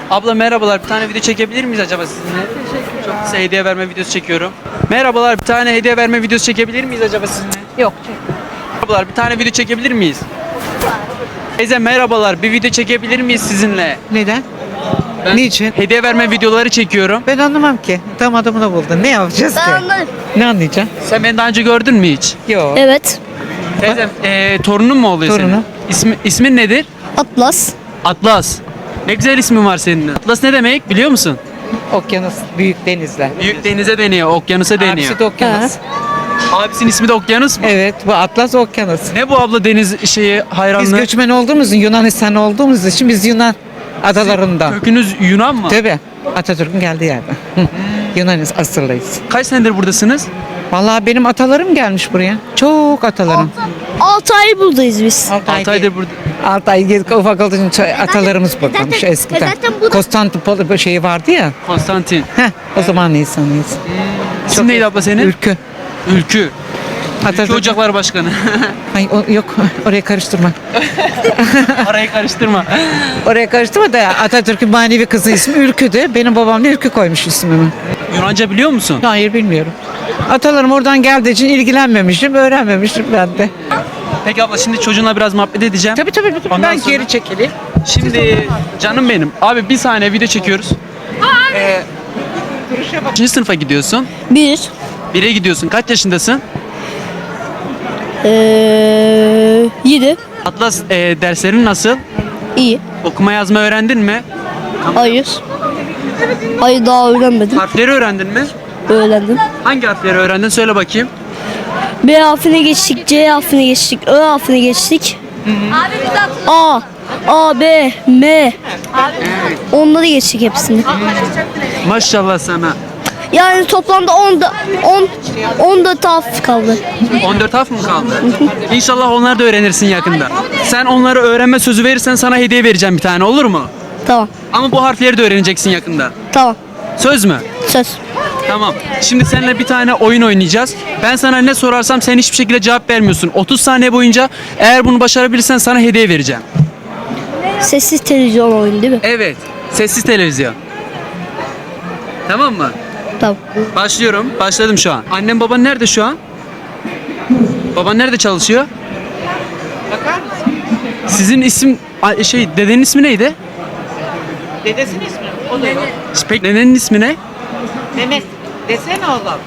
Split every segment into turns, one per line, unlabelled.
Abla merhabalar, bir tane video çekebilir miyiz acaba sizinle? Çok kısa hediye verme videosu çekiyorum. Merhabalar, bir tane hediye verme videosu çekebilir miyiz acaba sizinle?
Yok.
Merhabalar, bir tane video çekebilir miyiz? Teyze merhabalar, bir video çekebilir miyiz sizinle?
Neden?
Ben
Niçin?
hediye verme videoları çekiyorum.
Ben anlamam ki. Tam adamını buldun. Ne yapacağız ki?
Ben anlarım.
Ne anlayacaksın?
Sen beni daha önce gördün mü hiç?
Yok.
Evet.
Teyzem, torunun mu oluyor
Torunum.
senin? İsmin nedir?
Atlas.
Atlas. Ne güzel ismin var senin. Atlas ne demek biliyor musun?
Okyanus, büyük denizler.
Büyük denize deniyor, okyanusa deniyor.
Abisi de okyanus.
Abisinin ismi de Okyanus mu?
Evet, bu Atlas okyanus.
Ne bu abla deniz şeyi
Biz
hayranlığı?
göçmen olduğumuz, Yunanistan olduğumuz için biz Yunan adalarından.
Kökünüz Yunan mı?
Tabii. Atatürk'ün geldiği yerde. Yunanis asıllıyız.
Kaç senedir buradasınız?
Vallahi benim atalarım gelmiş buraya. Çok atalarım.
6 ay buradayız biz.
6 aydır burada.
6 ay gezdik ufak olduğu için atalarımız buradaymış eskiden.
zaten bu da-
Konstantinopol şeyi vardı ya.
Konstantin.
O zaman insanlıyız.
İsim neydi abla senin?
Ülkü.
Ülkü. Ülkü
Atatürk.
Ocaklar Başkanı.
Ay yok oraya karıştırma.
Arayı karıştırma.
Oraya karıştırma da Atatürk'ün manevi kızı ismi Ülkü'dü. Benim babam da Ülkü koymuş ismimi.
Yunanca biliyor musun?
Hayır bilmiyorum. Atalarım oradan geldiği için ilgilenmemişim, öğrenmemişim ben de.
Peki abla şimdi çocuğunla biraz muhabbet edeceğim.
Tabii.
Ondan
Ben
sonra-
geri çekileyim.
Şimdi canım benim. Abi bir saniye video çekiyoruz. Kaçıncı sınıfa gidiyorsun?
1.
1'e gidiyorsun. Kaç yaşındasın?
7.
Atlas derslerin nasıl?
İyi.
Okuma yazma öğrendin mi?
Hayır. Hayır daha öğrenmedim.
Harfleri öğrendin mi?
Öğrendim.
Hangi harfleri öğrendin? Söyle bakayım.
B harfine geçtik, C harfine geçtik, Ö harfine geçtik. A, A, B, M. Onları geçtik hepsini.
Maşallah sana.
Yani toplamda 10 da harf kaldı.
14 harf mı kaldı? İnşallah onları da öğrenirsin yakında. Sen onları öğrenme sözü verirsen sana hediye vereceğim bir tane, olur mu?
Tamam.
Ama bu harfleri de öğreneceksin yakında.
Tamam.
Söz mü?
Söz.
Tamam. Şimdi seninle bir tane oyun oynayacağız. Ben sana ne sorarsam sen hiçbir şekilde cevap vermiyorsun. 30 saniye boyunca eğer bunu başarabilirsen sana hediye vereceğim.
Sessiz televizyon oyunu değil mi?
Evet. Sessiz televizyon. Tamam mı?
Tamam.
Başlıyorum. Başladım şu an. Annem baban nerede şu an? Baban nerede çalışıyor?
Bakar mısın?
Sizin dedenin ismi neydi?
Dedesinin ismi o da yok.
Peki dedenin ismi ne?
Mehmet. Desene oğlum.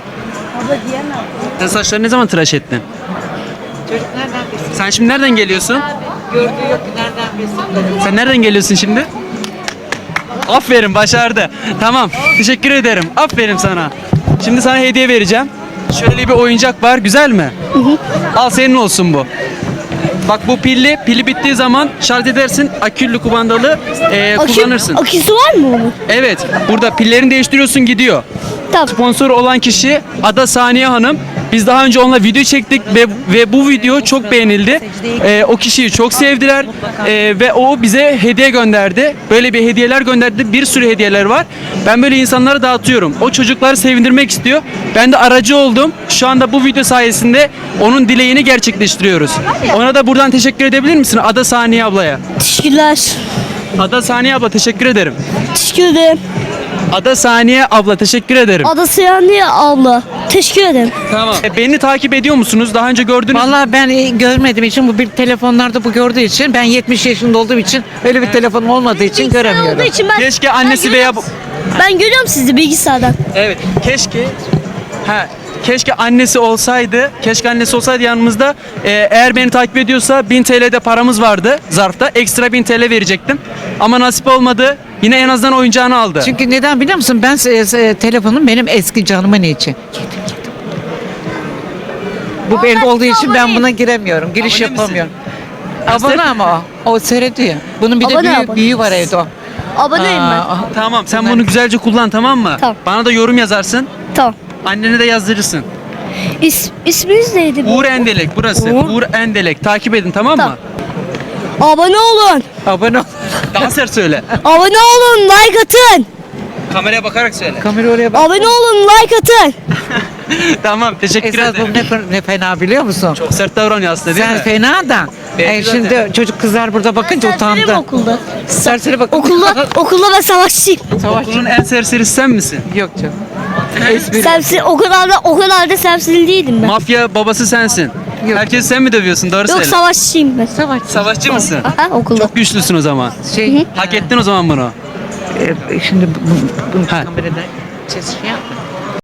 Sen saçlarını ne zaman tıraş ettin?
Çocuk nereden bilsin?
Sen şimdi nereden geliyorsun?
Gördüğü yok ki nereden bilsin?
Sen nereden geliyorsun şimdi? Aferin, başardı. Tamam, teşekkür ederim. Aferin sana. Şimdi sana hediye vereceğim. Şöyle bir oyuncak var, güzel mi? Al, senin olsun bu. Bak bu pilli, pili bittiği zaman şarj edersin, aküllü kumandalı kullanırsın.
Aküsü var mı onun?
Evet, burada pillerini değiştiriyorsun, gidiyor.
Tamam.
Sponsor olan kişi Ada Saniye Hanım. Biz daha önce onunla video çektik ve bu video çok beğenildi. O kişiyi çok sevdiler ve o bize hediye gönderdi. Böyle bir hediyeler gönderdi. Bir sürü hediyeler var. Ben böyle insanlara dağıtıyorum. O çocukları sevindirmek istiyor. Ben de aracı oldum. Şu anda bu video sayesinde onun dileğini gerçekleştiriyoruz. Ona da buradan teşekkür edebilir misin Ada Saniye ablaya?
Teşekkürler.
Ada Saniye abla teşekkür ederim.
Teşekkür ederim.
Ada Saniye abla teşekkür ederim.
Adası yani abla. Teşekkür ederim.
Tamam. Beni takip ediyor musunuz? Daha önce gördünüz mü?
Vallahi ben görmediğim için bu bir telefonlarda bu gördüğü için ben 70 yaşında olduğum için öyle bir telefonum olmadığı için
Olduğu
göremiyorum.
için ben,
Keşke annesi
ben
veya
görüyorum- Ben görüyorum sizi bilgisayardan.
Evet. Keşke annesi olsaydı. Keşke annesi olsaydı yanımızda. Eğer beni takip ediyorsa 1000 TL'de paramız vardı zarfta. Ekstra 1000 TL verecektim. Ama nasip olmadı. Yine en azından oyuncağını aldı.
Çünkü neden biliyor musun? Ben telefonum benim eski canımın içi. Bu benim olduğu için ben buna giremiyorum. Giriş
Abone misin?
yapamıyorum. Abone ama o seyrediyor. Bunun bir
Abone,
de
abone.
büyüğü var evde o.
Aboneyim ben.
Tamam, sen bunu güzelce kullan, tamam mı?
Tamam.
Bana da yorum yazarsın.
Tamam.
Annene de yazdırırsın.
İsminiz neydi?
Uğur Endelek burası.
Uğur.
Uğur Endelek. Takip edin, tamam mı?
Tamam. Abone olun.
Abone ol.
Daha sert söyle.
Abone olun. Like atın.
Kameraya bakarak söyle.
Kamera oraya bak.
Abone olun. Like atın.
Tamam teşekkür
Esas bu
ederim.
ne fena biliyor musun?
Çok sert davranıyor aslında değil
Sen
mi?
fena da.
Belki
Şimdi çocuk kızlar burada bakınca
Serserim
utandı.
okulda.
Serseri bak.
Okulda ben savaşçıyım.
Okulun en serserisi sen misin?
Yok canım. Espri.
Sersi o kadar da serseri değildim ben.
Mafya babası sensin.
Yok.
Herkes sen mi dövüyorsun? Doğru
Yok
söyle.
savaşçıyım ben.
Savaş.
Savaşçı mısın?
Aha okulda.
Çok güçlüsün o zaman.
Şey,
Hak ettin o zaman bunu.
şimdi bunu
Ha.
kamerada ses şey yapma.